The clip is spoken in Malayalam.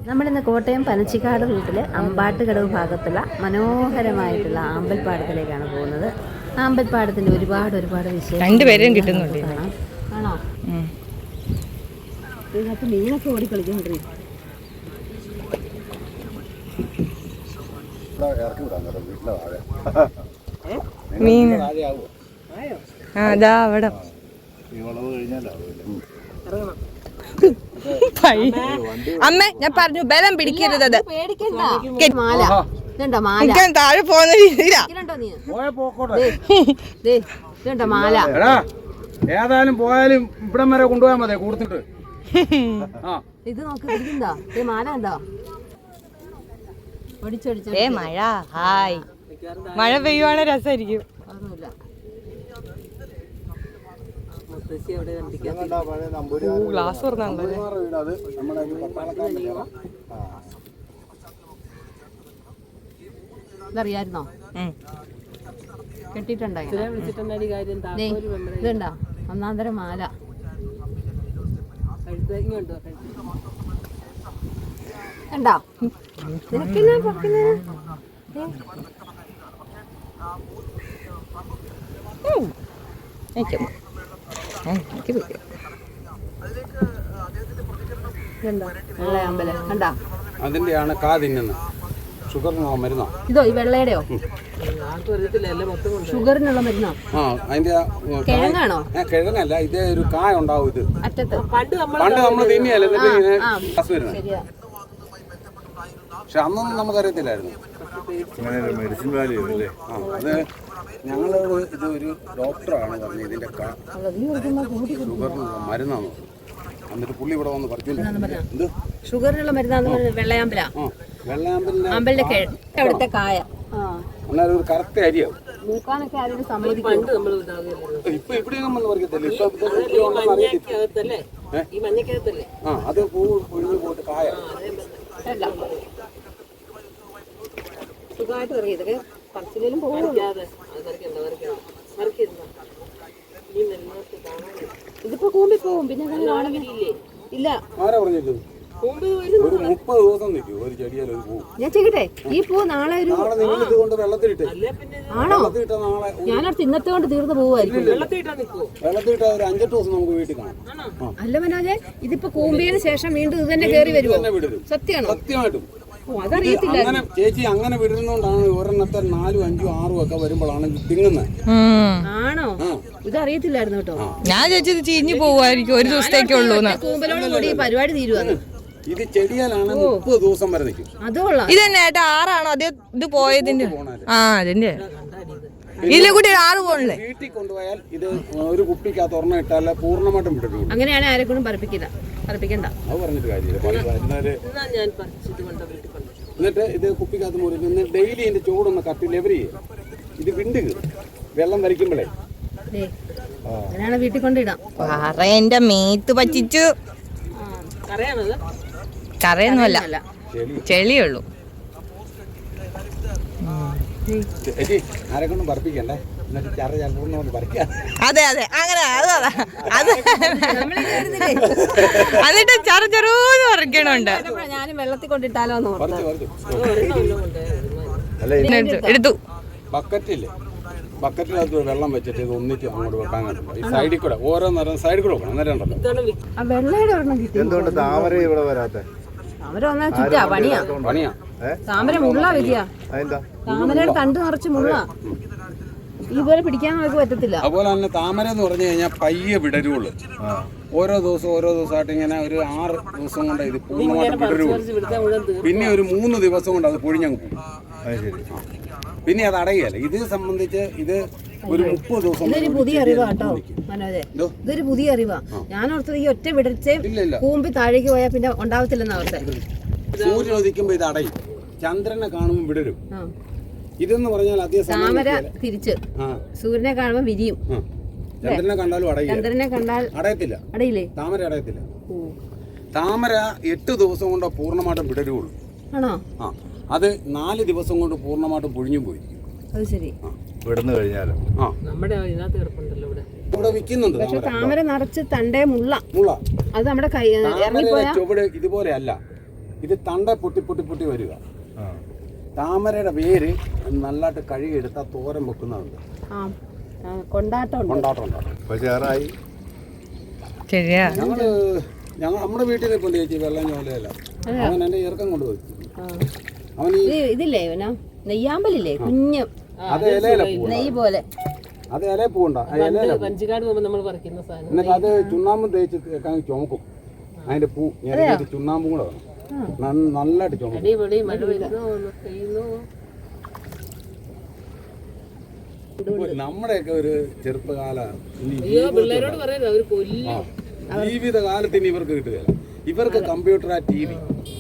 നമ്മളിന്ന് കോട്ടയം പനച്ചിക്കാട് റൂട്ടിലെ അമ്പാട്ടുകടവ് ഭാഗത്തുള്ള മനോഹരമായിട്ടുള്ള ആമ്പൽപ്പാടത്തിലേക്കാണ് പോകുന്നത്. ആമ്പൽപ്പാടത്തിൻ്റെ ഒരുപാട് വിശേഷം രണ്ടുപേരെയും കിട്ടുന്നുണ്ട്. ആണോ? ഇതിനകത്ത് മീനൊക്കെ ഓടിക്കളിക്കൊണ്ടിരിക്കും. മീൻ അതാ അവിടെ അമ്മ ഞാൻ പറഞ്ഞു ബലം പിടിക്കരുത്. താഴെ പോകുന്ന രീതിയിലാ മാല. ഏതായാലും പോയാലും ഇവിടം വരെ കൊണ്ടുപോയാൽ മതി കൊടുത്തിട്ട്. ഇത് നോക്കി പിടിക്കണ്ടോ? മാല ഉണ്ടോ? മഴ ഹായ് മഴ പെയ്യുവാണെ രസമായിരിക്കും. ഗ്ലാസ് തുറന്നാണല്ലോ. ഇതറിയായിരുന്നോ? കെട്ടിട്ടുണ്ടോ? ഇതുണ്ടോ? ഒന്നാന്തരം മാല. കണ്ടോ? അതിന്റെയാണ് കാ തിന്നുന്നത്. ഷുഗറിനുള്ള മരുന്നോ ഇതോ? ഈ വെള്ളയുടെയോ? ഷുഗറിനുള്ള മരുന്നോ? ആ അതിന്റെ കിഴങ്ങാണോ? കിഴങ്ങല്ല, ഇത് ഒരു കായ ഉണ്ടാവും. ഇത് അറ്റത്ത് പണ്ട് നമ്മൾ തിന്നിയല്ലേ പക്ഷെ അന്നൊന്നും നമുക്കറിയത്തില്ലായിരുന്നു. മെഡിസിൻ വാല്യൂ അല്ലേ? അത് ഞങ്ങളോട് ഇത് ഒരു ഡോക്ടറാണ് പറഞ്ഞത് ഇതിന്റെ ഷുഗറിനുള്ള മരുന്നാണ്. എന്നിട്ട് പുള്ളി ഇവിടെ വന്ന് പറഞ്ഞു ഷുഗറിനുള്ള മരുന്നാന്ന്. വെള്ളയാമ്പല. വെള്ളയാമ്പലിന്റെ അവിടുത്തെ കായ എന്നാലും ഒരു കറക്റ്റ് അരിയാവും. മൂക്കാനൊക്കെ അതിന് സമ്മതിക്കും. ഇപ്പൊ ഇവിടെയൊന്നും വന്ന് പറിക്കത്തില്ല. അത് പൂ ഒഴിഞ്ഞു പോയിട്ട് കായ സുഖമായിട്ട് പറയും. ഇതൊക്കെ പറച്ചിലും പോകും. ഇതിപ്പോ കൂമ്പി പോവും. പിന്നെ ഇല്ല. ആരാ പറഞ്ഞിട്ട്? ഒരു 30 ദിവസം നിൽക്കും ഒരു ചെടിയാൽ ഒരു പൂ. ഞാൻ ചെയ്യട്ടെ. ഈ പൂ നാളെ നിങ്ങൾ ഇതുകൊണ്ട് വെള്ളത്തിലിട്ട്. ആണോ? ഞാനടുത്ത് ഇന്നത്തെ കൊണ്ട് തീർന്നു പോവായിരിക്കും. വെള്ളത്തിലിട്ട ഒരു 5-8 ദിവസം നമുക്ക് വീട്ടിൽ കാണാം. അല്ല മനോജെ, ഇതിപ്പോ കൂമ്പിയതിന് ശേഷം വീണ്ടും ഇത് തന്നെ കയറി വരുമോ? സത്യമാണോ? സത്യമായിട്ടും. അതറിയത്തില്ല ചേച്ചി. അങ്ങനെ വിടുന്നോണ്ടാണ് ഒരെണ്ണത്തെ 4, 5, 6 ഒക്കെ വരുമ്പോഴാണ് തിങ്ങുന്നത്. ആണോ? ഇതറിയത്തില്ലായിരുന്നു കേട്ടോ. ഞാൻ ചേച്ചി ചീഞ്ഞു പോവായിരിക്കും ഒരു ദിവസത്തേക്കുള്ളൂ. കൂമ്പലോട് കൂടി പരിപാടി തീരുവാന്ന്. ഇത് ചെടിയാലാണ് 30 ദിവസം വരെ നിൽക്കും. അതുകൊള്ളാം. ഇത് തന്നെ ഏട്ടാ 6 ആണോ? അത് ഇത് പോയതിന്റെ അതിന്റെ ഇതിലെ കൂടി 6 പോണല്ലേ? വീട്ടിൽ കൊണ്ടുപോയാൽ ഇത് ഒരു കുപ്പിക്കകത്ത് ഒരെണ്ണം ഇട്ടാൽ പൂർണ്ണമായിട്ടും വിടും. അങ്ങനെയാണ് ആരെക്കൊണ്ടും പറപ്പിക്കണ്ട. അത് പറഞ്ഞിട്ട് കാര്യമില്ല. എന്നിട്ട് ഇത് കുപ്പിക്കകത്ത് മുറിക്കും. ഡെയിലി ഇതിന്റെ ചൂടൊന്ന് കട്ടി ലെവർ ചെയ്യും. ഇത് വിണ്ട് വെള്ളം വരയ്ക്കുമ്പോഴേ വീട്ടിൽ കൊണ്ടിടാം. എന്റെ മേത്ത് പറ്റിച്ചു. കറയൊന്നുമല്ല, ചെളിയുള്ളൂ. ആരെക്കൊണ്ടും പറപ്പിക്കണ്ടേ. അതെ അങ്ങനെ അത് എന്നിട്ട് ചെറുചെറൂന്ന് പറിക്കണുണ്ട്. ഞാനും വെള്ളത്തിൽ കൊണ്ടിട്ടാലോ എടുത്തു. ബക്കറ്റില്ലേ, ബക്കറ്റിനകത്ത് വെള്ളം വെച്ചിട്ട് ഇത് ഒന്നിച്ച് അങ്ങോട്ട് വെക്കാൻ കണ്ടില്ല. ഈ സൈഡിൽ കൂടെ ഓരോ നേരം സൈഡിൽ കൂടെ വെക്കണം. അന്നേരം ഉണ്ടല്ലോ. എന്തുകൊണ്ട് താമര ഇവിടെ വരാത്തെ? പണിയാ. താമര മുള്ള വരിക. താമരയുടെ തണ്ട് നിറച്ച് മുള്ള. ഇതുപോലെ പിടിക്കാൻ നമുക്ക് പറ്റത്തില്ല. അതുപോലെ തന്നെ താമര എന്ന് പറഞ്ഞു കഴിഞ്ഞാൽ പയ്യെ വിടരുള്ളൂ. ഓരോ ദിവസമായിട്ട് ഇങ്ങനെ ഒരു 6 ദിവസം കൊണ്ട് ഇത് പൂർണ്ണമായിട്ട് വിടരുള്ളൂ. പിന്നെ ഒരു 3 ദിവസം കൊണ്ട് അത് പൊഴിഞ്ഞങ്ങ് പോകും. പിന്നെ അത് അടയുകയല്ല. ഇത് സംബന്ധിച്ച് ഇത് ഒരു 30 ദിവസം. ഇതൊരു പുതിയ അറിവാ കേട്ടോ മനോജെ. ഇതൊരു പുതിയ അറിവാ. ഞാൻ ഓർത്തത് ഈ ഒറ്റ വിടർച്ചയും കൂമ്പി താഴേക്ക് പോയാൽ പിന്നെ ഉണ്ടാവത്തില്ലെന്ന് ഓർത്തെ. സൂര്യൻ ഉദിക്കുമ്പോ ഇത് അടയും, ചന്ദ്രനെ കാണുമ്പോൾ വിടരും. ഇതെന്ന് പറഞ്ഞാൽ താമര തിരിച്ച് സൂര്യനെ കാണുമ്പോൾ വിരിയും. ചന്ദ്രനെ കണ്ടാലും അടയും. ചന്ദ്രനെ കണ്ടാൽ അടയത്തില്ല. അടയില്ലേ? താമര അടയത്തില്ല. താമര 8 ദിവസം കൊണ്ട് പൂർണ്ണമായിട്ടും വിടരുള്ളൂ. ആണോ? അത് 4 ദിവസം കൊണ്ട് പൂർണ്ണമായിട്ടും പൊഴിഞ്ഞു പോയി. അത് ശരി. വിടന്നു കഴിഞ്ഞാലും ഇവിടെ വിൽക്കുന്നുണ്ട്. പക്ഷെ താമര നിറച്ച് തണ്ടേ മുള്ള. മുള്ള അത് നമ്മുടെ കൈ ഇറങ്ങിപ്പോയാ ചുവട് ഇതുപോലെ അല്ല. ഇത് തണ്ട പൊട്ടി പൊട്ടി പൊട്ടി വരിക. താമരയുടെ വേര് നല്ലതായിട്ട് കഴുകിയെടുത്താൽ തോരൻ വെക്കുന്നതുണ്ട്. കൊണ്ടാട്ടം ഉണ്ടാകും. ശരിയാ. ഞങ്ങൾ നമ്മുടെ വീട്ടിൽ ഇപ്പോൾ ചേച്ചി വെള്ളം ചോലയല്ല, അവൻ എൻ്റെ ഇറക്കം കൊണ്ടുപോയി. അവൻ ഇതില്ലേ നെയ്യാമ്പലില്ലേ കുഞ്ഞ്, അത് ഇലയില നെയ്യ് പോലെ, അത് ഇല പൂണ്ട വഞ്ചിക്കാട് പോകുമ്പോൾ നമ്മൾ പറിക്കുന്ന സാധനം. എന്നിട്ട് അത് ചുണ്ണാമ്പും തേച്ച് ചുമക്കും. അതിന്റെ പൂ ചുണ്ണാമ്പും കൂടെ വേണം, നല്ലതായിട്ട് ചുമക്കും. അടിപൊളി. മഴ വരുന്നു പെയ്യുന്നു. നമ്മുടെയൊക്കെ ഒരു ചെറുപ്പകാല പിള്ളേരോട് പറയുന്നത് അവർ കൊല്ലും. ജീവിതകാലത്തിന് ഇവർക്ക് കിട്ടുകയില്ല. ഇവർക്ക് കമ്പ്യൂട്ടർ, TV